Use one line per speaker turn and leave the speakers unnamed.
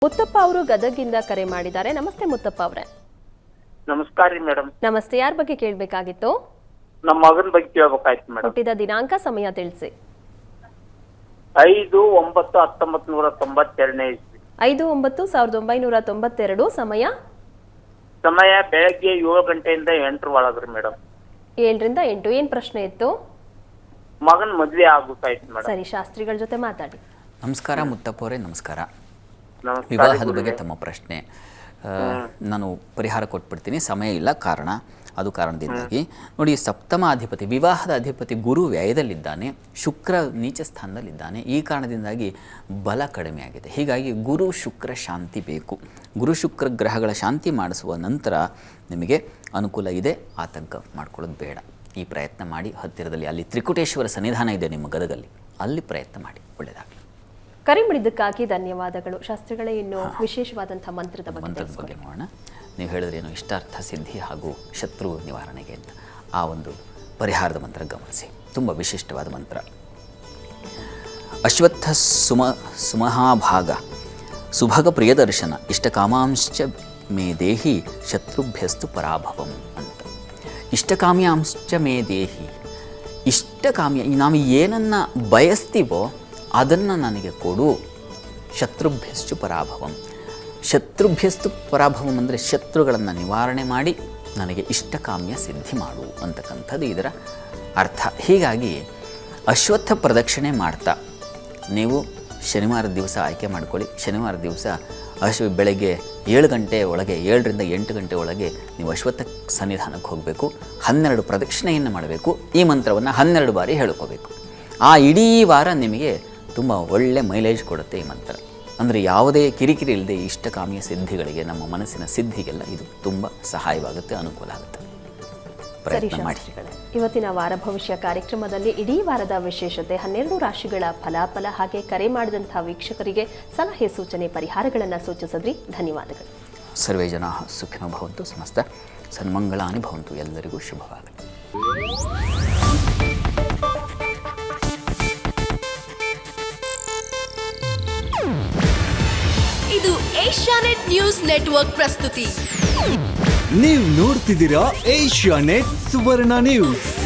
ಮುತ್ತಪ್ಪ ಅವರು ಗದಗಿಂದ ಕರೆ ಮಾಡಿದ್ದಾರೆ. ನಮಸ್ತೆ ಮುತ್ತಪ್ಪ ಅವರೇ.
ನಮಸ್ಕಾರ ರೀ ಮೇಡಮ್.
ನಮಸ್ತೆ. ಯಾರ ಬಗ್ಗೆ ಕೇಳಬೇಕಾಗಿತ್ತು?
ನಮ್ಮ ಮಗನ ಬಗ್ಗೆ ಕೇಳಬೇಕಾಯ್ತು ಮೇಡಮ್.
ಹುಟ್ಟಿದ ದಿನಾಂಕ, ಸಮಯ ತಿಳಿಸಿ.
5/9/1992 ಇಸ್ವಿ.
5/9/1992. ಸಮಯ
ಬೆಳಗ್ಗೆ 7 ಗಂಟೆಯಿಂದ 8 ಒಳಗ್ರಿ ಮೇಡಮ್.
7 ರಿಂದ 8. ಏನ್ ಪ್ರಶ್ನೆ ಇತ್ತು?
ಮಗನ್ ಮದ್ವೆ ಆಗುತ್ತಾಯ್ತು ಮೇಡಮ್.
ಸರಿ, ಶಾಸ್ತ್ರಿಗಳ ಜೊತೆ ಮಾತಾಡಿ.
ನಮಸ್ಕಾರ ಮುತ್ತಪ್ಪ ಅವರೇ. ನಮಸ್ಕಾರ.
ನಮಸ್ಕಾರ.
ವಿವಾಹದ ಬಗ್ಗೆ ತಮ್ಮ ಪ್ರಶ್ನೆ ನಾನು ಪರಿಹಾರ ಕೊಟ್ಬಿಡ್ತೀನಿ. ಸಮಯ ಇಲ್ಲ, ಅದು ಕಾರಣದಿಂದಾಗಿ ನೋಡಿ, ಸಪ್ತಮ ಅಧಿಪತಿ, ವಿವಾಹದ ಅಧಿಪತಿ ಗುರು ವ್ಯಯದಲ್ಲಿದ್ದಾನೆ, ಶುಕ್ರ ನೀಚ ಸ್ಥಾನದಲ್ಲಿದ್ದಾನೆ. ಈ ಕಾರಣದಿಂದಾಗಿ ಬಲ ಕಡಿಮೆ ಆಗಿದೆ. ಹೀಗಾಗಿ ಗುರು ಶುಕ್ರ ಶಾಂತಿ ಬೇಕು. ಗುರು ಶುಕ್ರ ಗ್ರಹಗಳ ಶಾಂತಿ ಮಾಡಿಸುವ ನಂತರ ನಿಮಗೆ ಅನುಕೂಲ ಇದೆ. ಆತಂಕ ಮಾಡ್ಕೊಳ್ಳೋದು ಬೇಡ. ಈ ಪ್ರಯತ್ನ ಮಾಡಿ. ಹತ್ತಿರದಲ್ಲಿ ಅಲ್ಲಿ ತ್ರಿಕುಟೇಶ್ವರ ಸನ್ನಿಧಾನ ಇದೆ ನಿಮ್ಮ ಗದಗಲ್ಲಿ, ಅಲ್ಲಿ ಪ್ರಯತ್ನ ಮಾಡಿ. ಒಳ್ಳೆಯದಾಗಲಿ.
ಕರೆ ಮಾಡಿದ್ದಕ್ಕಾಗಿ ಧನ್ಯವಾದಗಳು. ಶಾಸ್ತ್ರಿಗಳೇ, ಇನ್ನು ವಿಶೇಷವಾದಂತಹ ಮಂತ್ರದ ಬಗ್ಗೆ
ನೋಡೋಣ. ನೀವು ಹೇಳಿದ್ರೇನು ಇಷ್ಟಾರ್ಥ ಸಿದ್ಧಿ ಹಾಗೂ ಶತ್ರು ನಿವಾರಣೆಗೆ ಅಂತ ಆ ಒಂದು ಪರಿಹಾರದ ಮಂತ್ರ ಗಮನಿಸಿ. ತುಂಬ ವಿಶಿಷ್ಟವಾದ ಮಂತ್ರ. ಅಶ್ವತ್ಥ ಸುಮಹಾಭಾಗ ಸುಭಗ ಪ್ರಿಯದರ್ಶನ ಇಷ್ಟಕಾಮಾಂಶ್ಚ ಮೇ ದೇಹಿ ಶತ್ರುಭ್ಯಸ್ತು ಪರಾಭವಂ ಅಂತ. ಇಷ್ಟಕಾಮ್ಯಾಂಶ್ಚ ಮೇ ದೇಹಿ, ಇಷ್ಟಕಾಮ್ಯ, ನಾವು ಏನನ್ನು ಬಯಸ್ತೀವೋ ಅದನ್ನು ನನಗೆ ಕೊಡು. ಶತ್ರುಭ್ಯಸ್ತು ಪರಾಭವಂ. ಶತ್ರುಭ್ಯಸ್ತು ಪರಾಭವಂ ಅಂದರೆ ಶತ್ರುಗಳನ್ನು ನಿವಾರಣೆ ಮಾಡಿ ನನಗೆ ಇಷ್ಟಕಾಮ್ಯ ಸಿದ್ಧಿ ಮಾಡು ಅಂತಕ್ಕಂಥದ್ದು ಇದರ ಅರ್ಥ. ಹೀಗಾಗಿ ಅಶ್ವತ್ಥ ಪ್ರದಕ್ಷಿಣೆ ಮಾಡ್ತಾ ನೀವು ಶನಿವಾರದ ದಿವಸ ಆಯ್ಕೆ ಮಾಡ್ಕೊಳ್ಳಿ. ಶನಿವಾರ ದಿವಸ ಬೆಳಗ್ಗೆ 7 ಗಂಟೆ ಒಳಗೆ, 7 ರಿಂದ 8 ಗಂಟೆ ಒಳಗೆ ನೀವು ಅಶ್ವತ್ಥ ಸನ್ನಿಧಾನಕ್ಕೆ ಹೋಗಬೇಕು. 12 ಪ್ರದಕ್ಷಿಣೆಯನ್ನು ಮಾಡಬೇಕು. ಈ ಮಂತ್ರವನ್ನು 12 ಬಾರಿ ಹೇಳ್ಕೋಬೇಕು. ಆ ಇಡೀ ವಾರ ನಿಮಗೆ ತುಂಬ ಒಳ್ಳೆ ಮೈಲೇಜ್ ಕೊಡುತ್ತೆ ಈ ಮಂತ್ರ. ಅಂದರೆ ಯಾವುದೇ ಕಿರಿಕಿರಿ ಇಲ್ಲದೆ ಇಷ್ಟಕಾಮ್ಯ ಸಿದ್ಧಿಗಳಿಗೆ, ನಮ್ಮ ಮನಸ್ಸಿನ ಸಿದ್ಧಿಗೆಲ್ಲ ಇದು ತುಂಬ ಸಹಾಯವಾಗುತ್ತೆ, ಅನುಕೂಲ ಆಗುತ್ತೆ. ಪ್ರಯತ್ನ ಮಾಡಿ.
ಇವತ್ತಿನ ವಾರ ಭವಿಷ್ಯ ಕಾರ್ಯಕ್ರಮದಲ್ಲಿ ಇಡೀ ವಾರದ ವಿಶೇಷತೆ, 12 ರಾಶಿಗಳ ಫಲಾಫಲ, ಹಾಗೆ ಕರೆ ಮಾಡಿದಂತಹ ವೀಕ್ಷಕರಿಗೆ ಸಲಹೆ, ಸೂಚನೆ, ಪರಿಹಾರಗಳನ್ನು ಸೂಚಿಸಿದ್ರಿ. ಧನ್ಯವಾದಗಳು.
ಸರ್ವೇ ಜನಾಃ ಸುಖಿನೋ ಭವಂತು, ಸಮಸ್ತ ಸನ್ಮಂಗಳಾನಿ ಭವಂತು. ಎಲ್ಲರಿಗೂ ಶುಭವಾಗಲಿ.
ಇದು ಏಷ್ಯಾನೆಟ್ ನ್ಯೂಸ್ ನೆಟ್ವರ್ಕ್ ಪ್ರಸ್ತುತಿ.
ನೀವು ನೋಡ್ತಿದ್ದೀರಾ ಏಷ್ಯಾನೆಟ್ ಸುವರ್ಣ ನ್ಯೂಸ್.